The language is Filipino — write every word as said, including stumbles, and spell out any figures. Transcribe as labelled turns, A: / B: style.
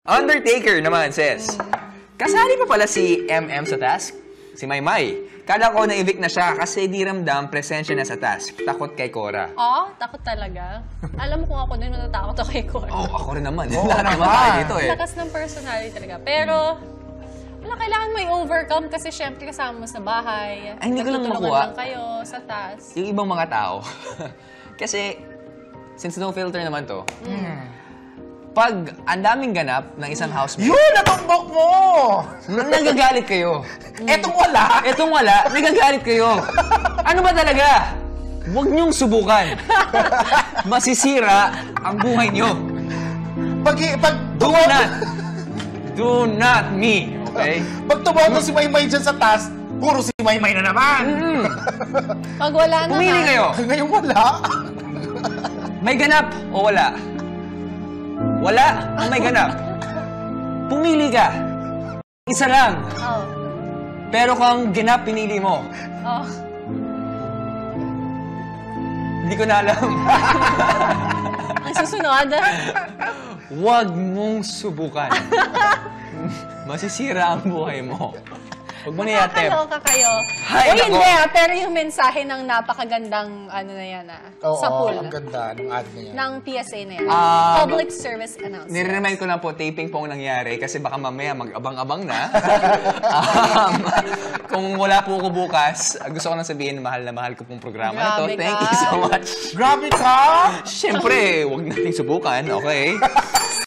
A: Undertaker naman says, kasali pa pala si M M sa task? Si Maymay. Kala ko na-evict na siya kasi di ramdam presensya na sa task. Takot kay Cora.
B: Oh, takot talaga. Alam mo kung ako din natatakot ako kay Cora.
A: Oh, ako rin naman.
C: Oo
A: Lahat naman
C: naman.
A: tayo dito eh.
B: Lakas ng personality talaga. Pero, wala, kailangan may overcome kasi syempre kasama mo sa bahay.
A: Ay, hindi ko lang
B: Nagtutulungan
A: makuha.
B: lang kayo sa task.
A: Yung ibang mga tao. Kasi, since no filter naman to, pag ang daming ganap ng isang housemate,
C: Yun! Natumbok mo!
A: nagagalit kayo.
C: Etong wala!
A: Etong wala, nagagalit kayo. Ano ba talaga? Huwag niyong subukan. Masisira ang buhay niyo.
C: Pag, pag,
A: Do not. Do not me. Okay?
C: pag tumoto si Maymay dyan sa task, puro si Maymay na naman!
A: Mm.
B: Pag wala naman,
A: Pumili kayo.
C: Ngayon wala.
A: May ganap o wala? Wala ang may ganap. Pumili ka. Isa lang.
B: Oh.
A: Pero kung ganap pinili mo,
B: Oh.
A: hindi ko na alam.
B: Ang susunod,
A: Huwag mong subukan. Masisira ang buhay mo. Huwag mo na yatep.
B: nakakaloka kayo.
A: Hay,
B: o
A: nako.
B: hindi, ah, pero yung mensahe ng napakagandang, ano na yan ah,
C: Oo,
B: sa pool.
C: ang ganda ng ad na yan.
B: Ng P S A na yan.
A: Ah,
B: Public Service Announcement.
A: Nire-remind ko lang po, taping po ang nangyari kasi baka mamaya mag-abang-abang na. um, kung wala po ko bukas, gusto ko nang sabihin, mahal na mahal ko pong programa na to.
B: Grabe
A: Thank
B: ka.
A: you so much.
C: Grabe ka!
A: Siyempre, huwag nating subukan, okay?